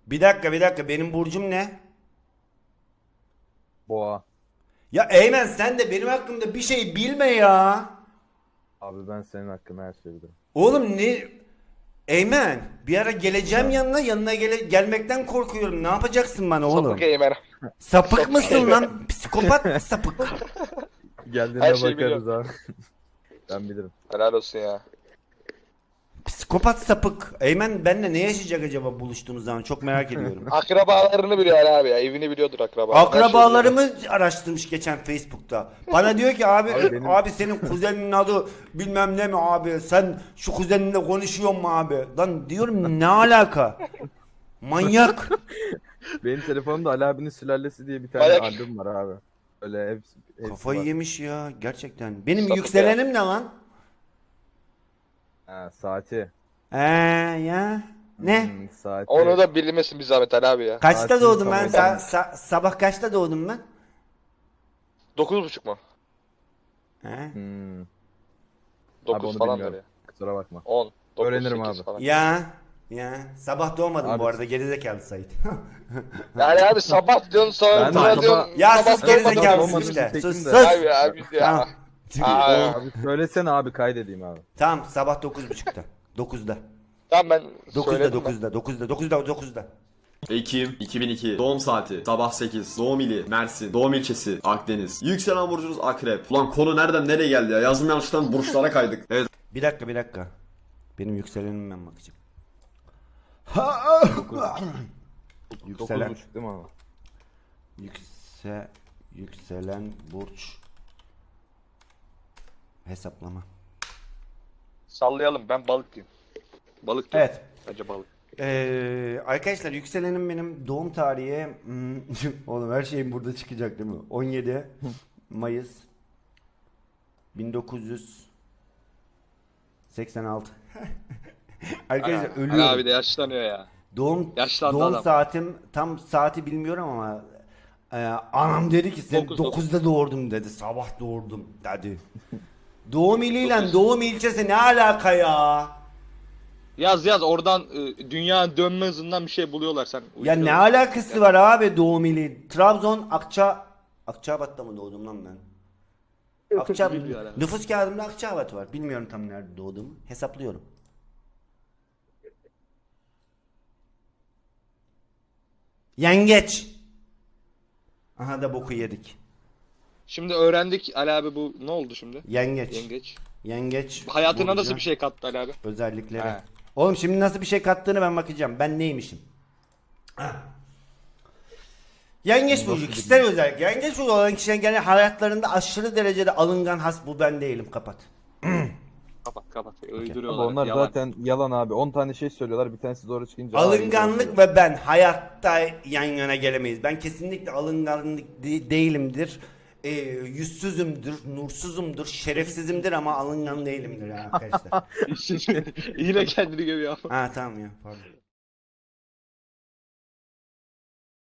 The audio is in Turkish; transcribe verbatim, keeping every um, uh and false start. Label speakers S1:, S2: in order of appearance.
S1: Bir dakika bir dakika benim burcum ne?
S2: Boğa.
S1: Ya Eymen sen de benim hakkımda bir şey bilme ya.
S2: Abi ben senin hakkında her şeyi bilirim.
S1: Oğlum ne? Eymen bir ara geleceğim
S2: Ha.
S1: yanına yanına gele gelmekten korkuyorum. Ne yapacaksın bana oğlum?
S3: Sapık Eymen.
S1: Sapık
S3: Sapık
S1: mısın
S3: Eymen.
S1: lan? Psikopat sapık.
S2: Geldiğinde
S3: Her şeyi
S2: bakarız abi. Ben bilirim.
S3: Helal olsun ya.
S1: Psikopat sapık. Eymen benimle ne yaşayacak acaba buluştuğumuz zaman çok merak ediyorum.
S3: Akrabalarını biliyor Ali abi ya. Evini biliyordur akrabalarını.
S1: Akrabalarımı araştırmış geçen Facebook'ta. Bana diyor ki abi
S2: Abi benim-
S1: abi senin kuzeninin adı bilmem ne mi abi? Sen şu kuzeninle konuşuyor mu abi? Lan diyorum ne alaka? Manyak.
S2: Benim telefonumda Ali abinin sülalesi diye bir tane
S3: Bayak.
S2: albüm var abi. Öyle hepsi, hepsi
S1: Kafayı
S2: var.
S1: yemiş ya gerçekten. Benim
S3: Sapık
S1: yükselenim ne lan?
S2: Ha, saati.
S1: Ee ya ne?
S2: Hmm, saati.
S3: Onu da bilmesin bir zahmet Ali abi ya.
S1: Kaçta
S2: Saati
S1: doğdum ben?
S2: tamam.
S1: Sa- sa- sabah kaçta doğdum ben?
S3: Dokuz buçuk mu?
S1: He?
S2: Hmm. Abi
S3: Dokuz
S2: onu
S3: falan
S2: bilmiyorum.
S3: ya.
S2: Kusura bakma.
S3: On. Dokuz,
S2: Öğrenirim
S3: sekiz
S2: abi.
S3: Falan.
S1: Ya ya sabah doğmadım
S2: Abi-
S1: bu arada gerizekalı Sait.
S3: Yani abi sabah diyorsun sonra
S2: Ben de
S3: sonra
S2: sabah-
S3: diyorsun.
S1: Ya
S3: sabah
S1: sus
S3: doğmadım.
S1: gerizekalısın
S2: olmadığını
S1: işte.
S2: çektim
S1: Sus
S2: de.
S1: sus.
S3: Abi abi ya.
S1: Tamam.
S3: Aa,
S2: Abi söylesene abi kaydedeyim abi.
S1: Tamam sabah dokuz buçukta. dokuzda.
S3: tamam ben
S1: dokuzda
S3: söyledim ben.
S1: dokuzda dokuzda dokuzda dokuzda.
S4: Ekim iki bin iki doğum saati sabah sekiz doğum ili Mersin doğum ilçesi Akdeniz yükselen burcunuz Akrep. Ulan konu nereden nereye geldi ya, yazım yanlıştan burçlara kaydık. Evet
S1: Bir dakika bir dakika. Benim yükselenim ben bakacağım. Yükselen.
S2: dokuz buçuk değil mi abi?
S1: Yükse yükselen burç hesaplama.
S3: Sallayalım ben balık diyeyim. Balık diyeyim.
S1: Evet.
S3: Bence balık.
S1: Ee, arkadaşlar yükselenim benim doğum tarihi hmm, oğlum her şeyim burada çıkacak değil mi? on yedi Mayıs bin dokuz yüz seksen altı. Arkadaşlar
S3: Ali
S1: ölüyorum.
S3: abi de yaşlanıyor ya.
S1: Doğum
S3: Yaşlandı
S1: doğum
S3: adam.
S1: saatim tam saati bilmiyorum ama e, anam dedi ki sen
S3: Dokuz,
S1: dokuzda doğurdum dedi. Sabah doğurdum dedi. Doğum iliyle
S3: Dokuz.
S1: doğum ilçesi ne alaka ya?
S3: Yaz yaz oradan e, dünya dönme hızından bir şey buluyorlar sen.
S1: Ya
S3: uyduruyorsun.
S1: ne alakası var abi doğum ili? Trabzon Akça Akçabat'ta mı doğdum lan ben? Akça
S3: Bilmiyor herhalde.
S1: nüfus kağıdımda Akçabat var. Bilmiyorum tam nerede doğduğumu. Hesaplıyorum. Yengeç. Aha da boku yedik.
S3: Şimdi öğrendik Ali abi bu ne oldu şimdi?
S1: Yengeç.
S3: Yengeç.
S1: Yengeç.
S3: Hayatına
S1: burcu,
S3: nasıl bir şey kattı Ali abi?
S1: özellikleri.
S3: He.
S1: Oğlum şimdi nasıl bir şey kattığını ben bakacağım. Ben neymişim? Ha. Yengeç burcu kişisel özellik. Yengeç burcu olan kişilerin genel hayatlarında aşırı derecede alıngan has bu ben değilim. Kapat.
S3: Kapat kapat.
S2: Abi
S3: Uyduruyorlar.
S2: onlar
S3: yalan.
S2: zaten yalan abi. on tane şey söylüyorlar. Bir tanesi doğru çıkınca. "Aa,
S1: Alınganlık
S2: iyi
S1: ve ben hayatta yan yana gelemeyiz. Ben kesinlikle alınganlık de- değilimdir. Ee, yüzsüzümdür, nursuzumdur, şerefsizimdir ama alıngan değilimdir ya arkadaşlar.
S3: Yine kendini gömüyor.
S1: Ha tamam ya pardon.